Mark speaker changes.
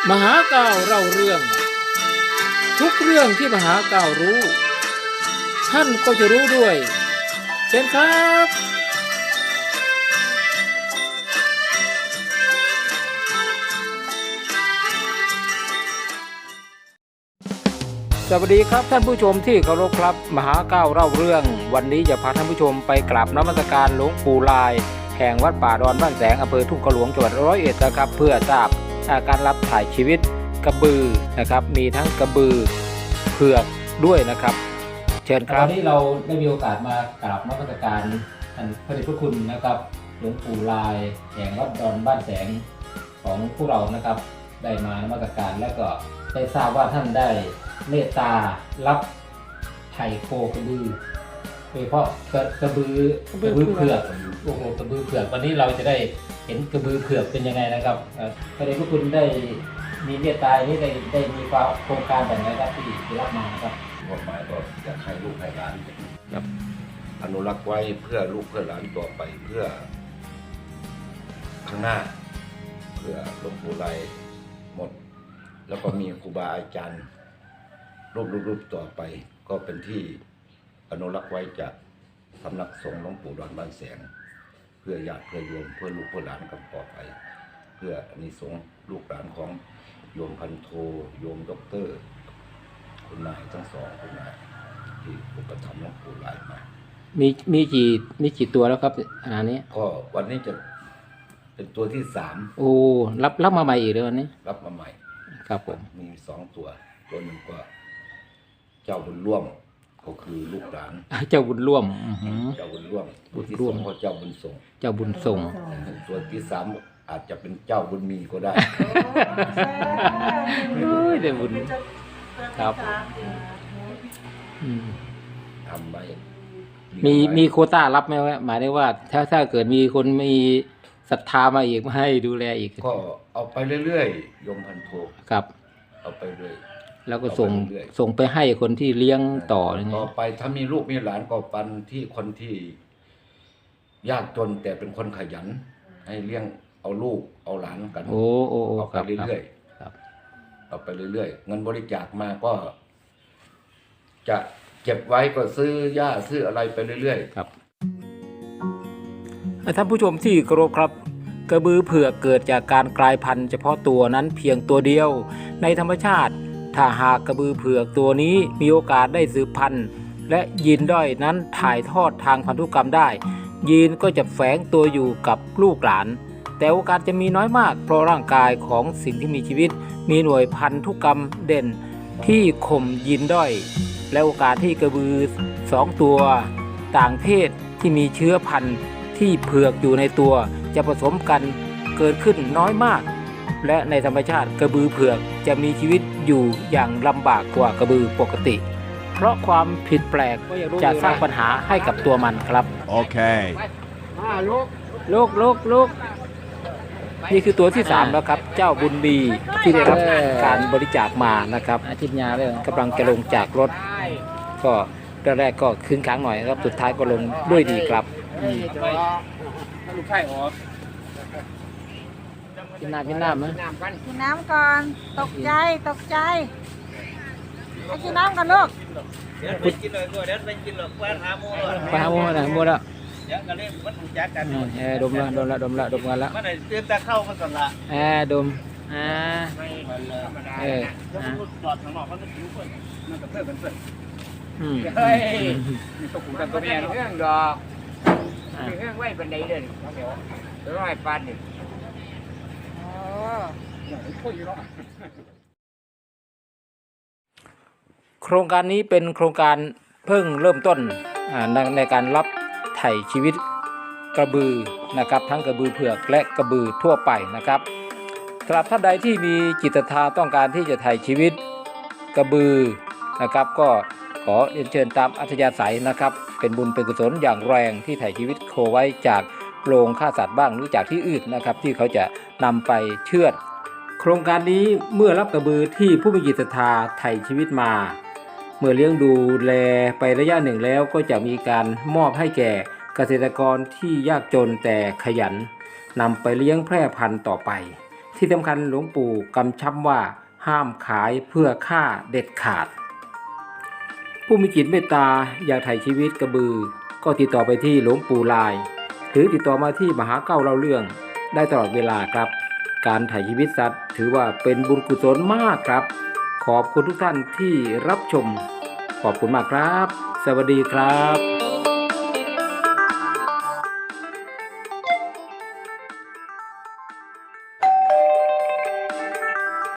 Speaker 1: มหาเก้าเล่าเรื่อง ทุกเรื่องที่มหาเก้ารู้ท่านก็จะรู้ด้วยเช่นครับสวัสดีครับท่านผู้ชมที่เคารพครับมหาเก้าเล่าเรื่องวันนี้จะพาท่านผู้ชมไปกราบนมัสการหลวงปู่ลายแห่งวัดป่าดอนบ้านแสงอำเภอทุ่งขลวงจังหวัด101นะครับเพื่อทราบการรับถ่ายชีวิตกระบือนะครับมีทั้งกระบือเผือกด้วยนะครับเชิญครับวันนี้เราได้มีโอกาสมากราบนมัสการท่านพระเดชพระคุณนะครับหลวงปู่ลายแห่งวัดดอนบ้านแสงของพวกเรานะครับได้มานมัสการและก็ได้ทราบว่าท่านได้เมตตารับไถ่โคกระบือโดยเฉพาะกระบือเผือกโอ้โหกระบือเผือกวันนี้เราจะได้เห็นกระบือเผือกเป็นยังไงนะครับพระเดชพระคุณได้มีเมตตานี้ได้มีความโครงการแบบไหนครับที่รับมาครับ
Speaker 2: กฎหมายก็อยากให้ลูกให้หลาน
Speaker 1: ครับ
Speaker 2: อนุรักษ์ไว้เพื่อลูกเพื่อหลานต่อไปเพื่อข้างหน้าเพื่อหลวงปู่ไลหมดแล้วก็มีครูบาอาจารย์รูปต่อไปก็เป็นที่อนุรักษ์ไว้จากสำนักสงฆ์หลวงปู่ดอนบ้านแสงเพื่อญาติเพื่อโยมเพื่อลูกเพื่อหลานกันต่อไปเพื่ออานิสงส์ลูกหลานของโยมพันโทโยมด็อกเตอร์คุณนายทั้งสองคุณนายที่อุปถัมภ์หลวงปู่ไลมา
Speaker 1: มีกี่ตัวแล้วครับขณะนี้
Speaker 2: ก็วันนี้จะเป็นตัวที่3
Speaker 1: โอ้รับมาใหม่อีกเลยวันนี้
Speaker 2: รับมาใหม่
Speaker 1: ครับผม
Speaker 2: มี2ตัวหนึ่งก็เจ้าบุญร่วมก็คือลูกหลาน
Speaker 1: เจ้าบุญร่วม
Speaker 2: เจ้าบุญร่วมตัวที่2ก็เจ้าบุญส่งตัวที่3อาจจะเป็นเจ้าบุญมีก็ได้
Speaker 1: ได้บุญครับ
Speaker 2: ทำไว้
Speaker 1: มีโควต้ารับไหมวะหมายถึงว่าถ้าเกิดมีคนมีศรัทธามาอีกมาให้ดูแลอีก
Speaker 2: ก็เอาไปเรื่อยๆโยมพันโท
Speaker 1: ครับ
Speaker 2: เอาไปเรื่อย
Speaker 1: แล้วก็ส่งไปให้คนที่เลี้ยงต่อ
Speaker 2: ต่อไปถ้ามีลูกมีหลานก็ปันที่คนที่ยากจนแต่เป็นคนขยันให้เลี้ยงเอาลูกเอาหลานกันเอาไปเรื่อยๆเอาไปเรื่อยๆเงินบริจาคมาก็จะเก็บไว้ก็ซื้อหญ้าซื้ออะไรไปเรื่อย
Speaker 1: ๆครับท่านผู้ชมที่เคารพครับกระบือเผือกเกิดจากการกลายพันธุ์เฉพาะตัวนั้นเพียงตัวเดียวในธรรมชาติถ้าหากกระบือเผือกตัวนี้มีโอกาสได้สืบพันธุ์และยีนด้อยนั้นถ่ายทอดทางพันธุกรรมได้ยีนก็จะแฝงตัวอยู่กับลูกหลานแต่โอกาสจะมีน้อยมากเพราะร่างกายของสิ่งที่มีชีวิตมีหน่วยพันธุกรรมเด่นที่ข่มยีนด้อยและโอกาสที่กระบือ2ตัวต่างเพศที่มีเชื้อพันธุ์ที่เผือกอยู่ในตัวจะผสมกันเกิดขึ้นน้อยมากและในธรรมชาติกระบือเผือกจะมีชีวิตอยู่อย่างลำบากกว่ากระบือปกติเพราะความผิดแปลกจะสร้างปัญหาให้กับตัวมันครับ
Speaker 3: โอเค
Speaker 1: ลูกนี่คือตัวที่3แล้วครับเจ้าบุญมีที่ได้รับการบริจาคมานะครับอาทิตย์ยาเลยกำลังจะลงจากรถก็แรกก็คึ้งค้างหน่อยครับสุดท้ายก็ลงด้วยดีครับลูกไข่ออกกินน้ำไหม
Speaker 4: กินน้ำก่อนตกใจไปกินน้ำกันลูก
Speaker 5: เดี๋ยวไปกินเลยก็เดี๋ยวไปกินหรอกไปหาโม่
Speaker 1: นะโม่แล้ว
Speaker 5: เดี๋ยวก็เล่นมันถูกจักกัน
Speaker 1: ดมกันแล้วมัน
Speaker 5: ไหนเตือนตาเข้ามันก่อนละ
Speaker 1: ดม
Speaker 5: ไม่ธรรมดาแล้วมันจอดข้างนอกมันก็ผิวเพื่อนมันก็เพื่อนเฮ้ยมีตกหูกันตัวแม่เรื่องดอกมีเรื่องไว้บันไดเดินเดี๋ยวให้ปานดิ
Speaker 1: โครงการนี้เป็นโครงการเพิ่งเริ่มต้นในการรับไถ่ชีวิตกระบือนะครับทั้งกระบือเผือกและกระบือทั่วไปนะครับสำหรับท่านใดที่มีจิตศรัทธาต้องการที่จะไถ่ชีวิตกระบือนะครับก็ขอเรียนเชิญตามอัธยาศัยนะครับเป็นบุญเป็นกุศลอย่างแรงที่ไถ่ชีวิตโคไว้จากโรงฆ่าสัตว์บ้างหรือจากที่อื่นนะครับที่เขาจะนำไปเชือดโครงการนี้เมื่อรับกระบือที่ผู้มีจิตศรัทธาไถ่ชีวิตมาเมื่อเลี้ยงดูแลไประยะหนึ่งแล้วก็จะมีการมอบให้แก่เกษตรกรที่ยากจนแต่ขยันนำไปเลี้ยงแพร่พันธุ์ต่อไปทที่สำคัญหลวงปู่กำชับว่าห้ามขายเพื่อค่าเด็ดขาด ผู้มีจิตเมตตาอยากไถ่ชีวิตกระบือก็ติดต่อไปที่หลวงปู่ลายหรือติดต่อมาที่มหาเก้าเล่าเรื่องได้ตลอดเวลาครับการไถ่ชีวิตสัตว์ถือว่าเป็นบุญกุศลมากครับขอบคุณทุกท่านที่รับชมขอบคุณมากครับสวัสดีครับ